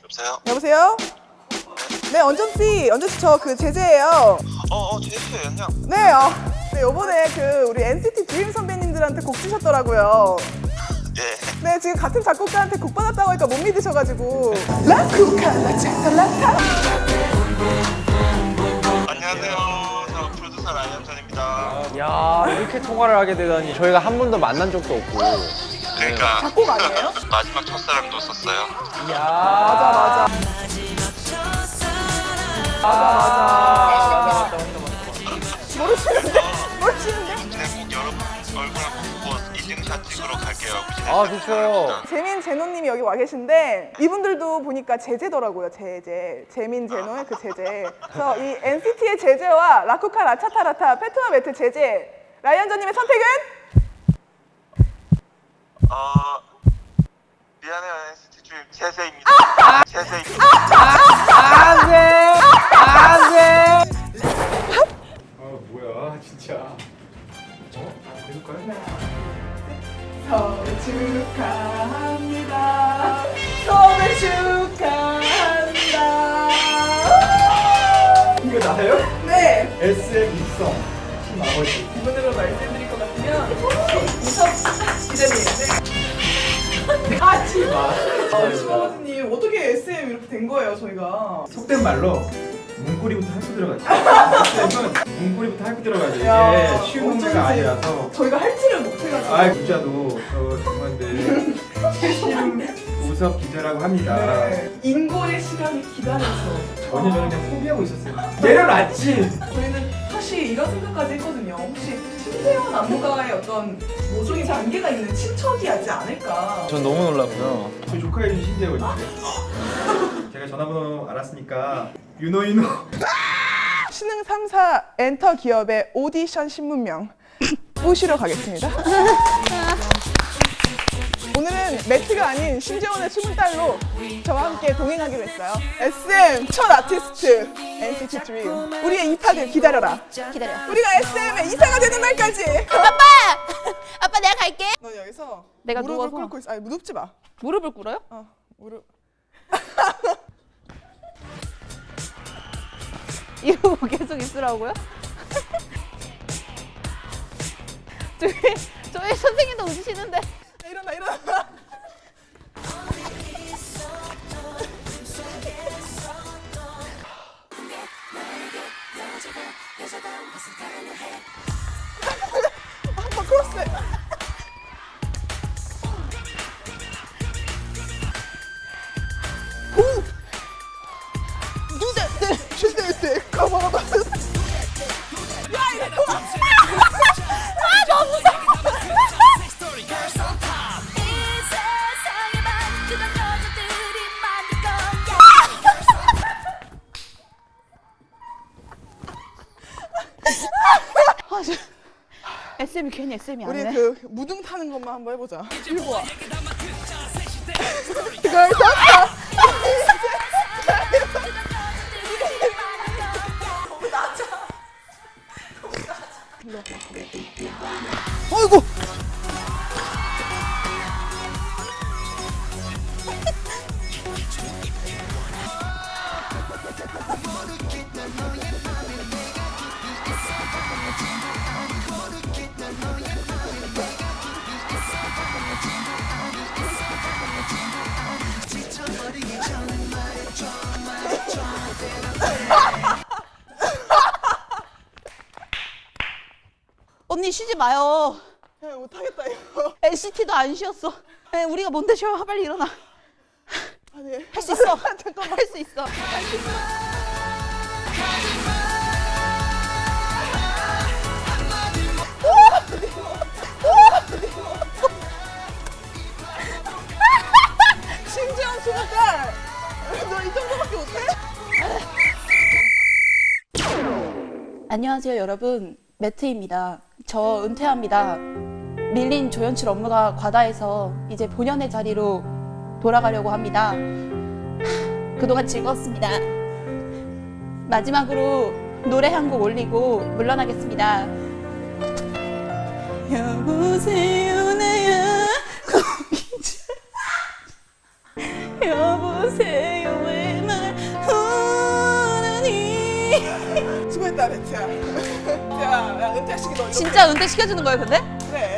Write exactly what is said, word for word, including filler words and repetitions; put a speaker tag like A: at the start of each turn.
A: 여보세요?
B: 여보세요? 네, 언전씨, 언전씨 저 그 제재예요.
A: 어, 어, 제이스 안녕.
B: 네, 어, 네, 요번에 그 우리 엔시티 드림 선배님들한테 곡 주셨더라고요.
A: 예.
B: 네, 지금 같은 작곡가한테 곡 받았다고 하니까 못 믿으셔가지고. 라쿠카라 차탈라타.
A: 안녕하세요. 저 프로듀서 라이언전입니다.
C: 야, 이렇게 통화를 하게 되다니 저희가 한 번도 만난 적도 없고.
A: 그러니까
B: 작곡 아니에요?
A: 마지막 첫사랑도 썼어요.
C: 이야.
B: 맞아, 맞아.
C: 아, 맞다, 맞다, 맞다.
B: 모르시는데? 모르시는데?
A: 네, 꼭 여러분 얼굴 한번 보고 인증샷 찍으러 갈게요.
C: 아, 좋죠.
B: 재민 제노님이 여기 와 계신데 이분들도 보니까 제재더라고요. 제재. 재민 제노의 그 제재. 그래서 이 엔시티의 제재와 라쿠카 라차타라타 페트와 매트 제재. 라이언전님의 선택은?
A: 어, 미안해요 엔시티 주임 제세입니다. 제세입니다.
C: 안 돼! 안 돼!
D: 아 뭐야 진짜. 어? 해볼까요?
B: 서울 축하합니다. 서울 축하한다.
D: 이거 나요?
B: 네.
D: 에스엠 입성 팀 아버지.
B: 기본으로 말씀드릴 것 같으면 이석 기자님. 아 진짜. 아, 주아버지님 어떻게 에스엠 이렇게 된 거예요 저희가?
D: 속된 말로 문고리부터 할거 들어가죠. 에스엠은 문고리부터 할거 들어가죠.
B: 야,
D: 이게 쉬운 문제가
B: 어쩐지.
D: 아니라서.
B: 저희가 할지를 못해가지고.
D: 아 기자도 저 정말인데 최신 우섭 기자라고 합니다.
B: 네. 인골의 시간을 기다려서.
D: 전혀 저는 그냥 포기하고 있었어요. 내려놨지.
B: 저희는 사실 이런 생각까지 했거든요. 혹시 신재원 안무가의 어떤 모종의 단계가 있는 친척이 하지 않을까.
C: 전 너무 놀랐고요.
D: 저희 조카 이름 신재원이에요. 제가 전화번호 알았으니까 유노 유노.
B: 신흥 삼 사 엔터 기업의 오디션 신문명 모시러 가겠습니다. 오늘은 매트가 아닌 신재원의 숨은 딸로 저와 함께 동행하기로 했어요. 에스엠 첫 아티스트 엔시티 드림 우리의 입학을 기다려라.
E: 기다려.
B: 우리가 에스엠의 이사가 되는 날까지.
E: 아빠! 아빠 내가 갈게.
B: 넌 여기서
E: 내가
B: 무릎을
E: 누워서?
B: 꿇고 있어. 아니 눕지 마.
E: 무릎을 꿇어요?
B: 어 무릎.
E: 이러고 계속 있으라고요? 저희 저희 선생님도 웃으시는데.
B: 일어나 일어나. 한번 크로스. 오. 누데 슈데데 가봐봐. 야 이거.
E: 아 너무 무서워. 아, 저... 에스엠이 괜히 에스엠이
B: 우리
E: 아니네.
B: 그 무등 타는 것만 한번 해보자. 일고 와. 그걸 샀다. 어이구.
E: 언니 쉬지 마요.
B: 야 못하겠다 이거.
E: 엔시티도 안 쉬었어. 에, 우리가 뭔데 쉬어? 빨리 일어나.
B: 아니
E: 할 수 있어.
B: 잠깐만.
E: 할 수 있어.
B: 신재원 스무 살. 너 이 정도밖에 못해?
E: 안녕하세요 여러분, 매트입니다. 저 은퇴합니다. 밀린 조연출 업무가 과다해서 이제 본연의 자리로 돌아가려고 합니다. 그동안 즐거웠습니다. 마지막으로 노래 한 곡 올리고 물러나겠습니다. 여보세요 나야 여보세요
B: 베트야. 야, 야 은퇴시키기 너 이거
E: 진짜 은퇴 시켜주는 거예요, 근데?
B: 그래.